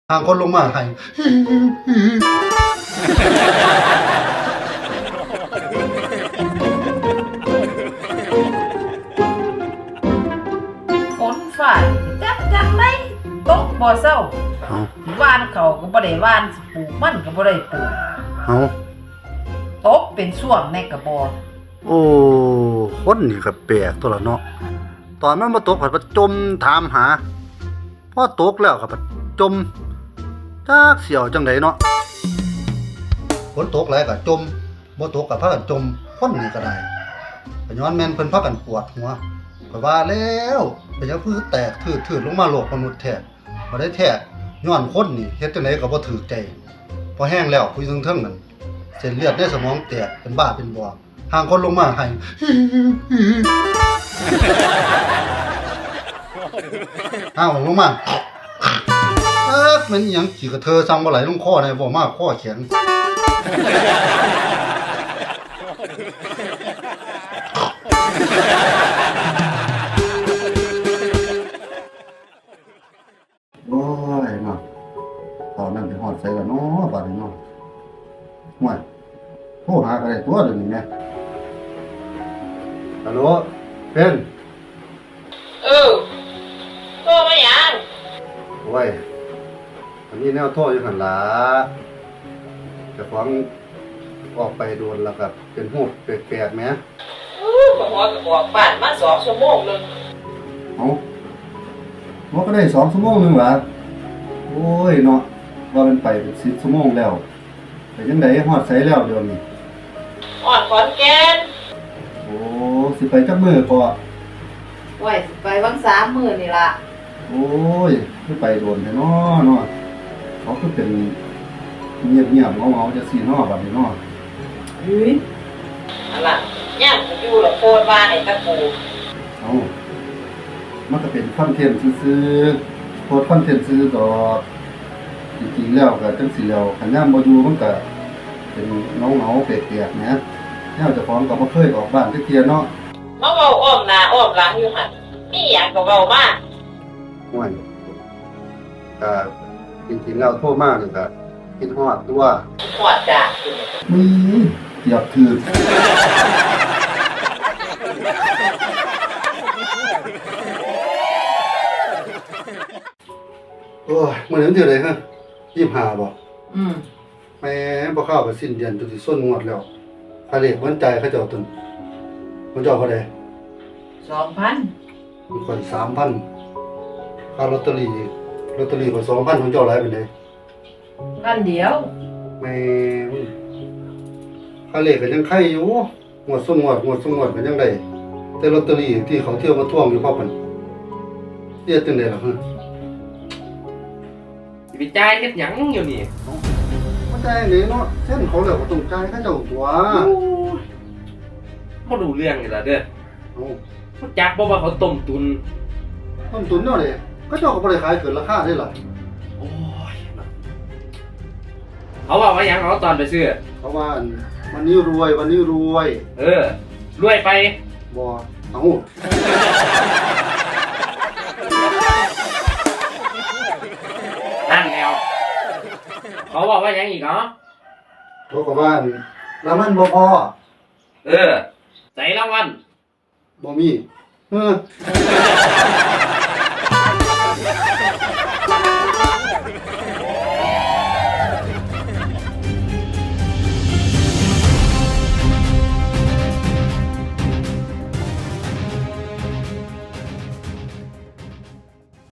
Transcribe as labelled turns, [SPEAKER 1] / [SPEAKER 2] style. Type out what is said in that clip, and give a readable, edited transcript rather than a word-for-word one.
[SPEAKER 1] ทางคนลงมาให้
[SPEAKER 2] ฝนฝ่าจังได้ตกบ่เศร้า
[SPEAKER 1] เอา
[SPEAKER 2] ว่านเขาก็บ่ได้ว่านปลูกมันก็บ่ได้ปลูก
[SPEAKER 1] เอา
[SPEAKER 2] ตกเป็นช่วงในกระบอก
[SPEAKER 1] โอ้คนนี่ก็แปลกตัวละเนาะตอนมันมาตกผัดประจมถามหาพอตกแล้วก็ประจมจักเสี่ยวจังไดเนาะฝนตกแล้วก็จมบ่ตกก็พากันจมคนนี่ก็ได้ก็ย้อนแม่นเพิ่นพากันปวดหัวก็ว่าแล้วเป็นหยังคือแตกทื่อๆลงมาโลกมนุษย์แท้บ่ได้แท้ย้อนคนนี่เฮ็ดจังไดก็บ่ถูกใจพอแห้งแล้วคุยเทิงๆนั่นเส้นเลือดในสมองแตกเป็นบ้าเป็นบ่อทางคนลงมาให้เอาลงมามันหยังขี่กระเทอสั่งบ่ไหลลงคอได้บ่มาคอแข็งโอ้ยเนาะตอนนั้นไปฮอดใส่แล้วเนาะบัดนี้เนาะห่วยโทรหาก็ได้ตัวเดี๋ยวนี้แม่ฮัลโหลเป็น
[SPEAKER 2] โตมาหยัง
[SPEAKER 1] โอ้ยอันนี้แนวโทษอยู่หันล่ะเจ้าของออกไปโดนแล้วก็เป็นหูแปลกๆแหม
[SPEAKER 2] ก็ฮอดก็บอกบ้านมา2 ชั่วโมงนึง
[SPEAKER 1] เอ้าบ่ก็ได้2 ชั่วโมงนึงล่ะโอ้ยเนาะว่ามันไปเป็น10 ชั่วโมงแล้วแต่จังได๋ฮอดไสแล้วเดี๋ยวนี้
[SPEAKER 2] ฮอดขอนแก่น
[SPEAKER 1] โอ้สิไปจักมื้อพอ
[SPEAKER 2] ไว้สิไปวัง3 มื้อนี่ล่ะ
[SPEAKER 1] โอ้ยคือไปโดนแท้เนาะเนาะเขาคือเป็นเงียบๆเงาๆจังซี่เนาะบัดนี้เนาะ
[SPEAKER 2] เฮ้ยอันล่ะย่างกูอยู่ละโคตรว่าให้ตะกู
[SPEAKER 1] เอ้ามันก็เป็นคอนเทนต์ซื่อๆโพสต์คอนเทนต์ซื่อดอกจริงๆแล้วก็จังซี่แล้วคันยามบ่อยู่มันก็เป็นเงาๆแปลกๆนะแนวเจ้าของก็บ่เคยออกบ้านจักเที่ยเนาะ
[SPEAKER 2] มาเว้าอ้อมหน้าอ้อมหลังอยู่หั่นมีหยังก็เว้ามา
[SPEAKER 1] ห่วยก็จริงๆแล้วโทรมานี่ก็คิดฮอดตัว
[SPEAKER 2] ฮอดจ้ะ
[SPEAKER 1] มีเกียบถือโอ้ยมื้อนี้มันเท่าใดฮะ25บ่แม่บ่เข้าไปสิ้นเดือนจนสิส้นงวดแล้วค่าเลขมันจ่ายเขาเจ้าตึงมันเจ้าเท่าใด
[SPEAKER 2] 2,000
[SPEAKER 1] มันค่อย 3,000ค่าลอตเตอรี่ก็ 2,000ของเจ้าหลายปานใด
[SPEAKER 2] พันเดียว
[SPEAKER 1] แม่มึงค่าเลขก็ยังไข่อยู่งวดส้นงวดก็ยังได้แต่ลอตเตอรี่ที่เขาเที่ยวมาทวงอยู่พอมันเรียกจังได๋ล่ะฮะ
[SPEAKER 3] สิไปจ่ายเฮ็ดหยังอยู่นี่
[SPEAKER 1] บ่จ่ายเลยเนาะเส้นเขาแล้วก็ต้องจ่ายเขาเจ้าตัว
[SPEAKER 3] บ่รู้เรื่องนี่ล่ะเด้อ
[SPEAKER 1] เอ้า
[SPEAKER 3] บ่จักบ่ว่าเขาต้มตุน
[SPEAKER 1] ต้นทุนเนาะเด้เขาเจ้าก็บ่ได้ขายเกินราคาเด้ล่ะ
[SPEAKER 3] โอ้ยเขาว่าหยังเอาตอนไปซื้อ
[SPEAKER 1] เพราะว่าวันนี้รวย
[SPEAKER 3] เออ รวยไป
[SPEAKER 1] บ่เอ้า
[SPEAKER 3] นั่นแล้ว เขาบอกว่าหยังอีกเนาะ
[SPEAKER 1] เขาก็ว่าแล้วมันบ่พอ
[SPEAKER 3] เออใส่รางวัล
[SPEAKER 1] บ่มี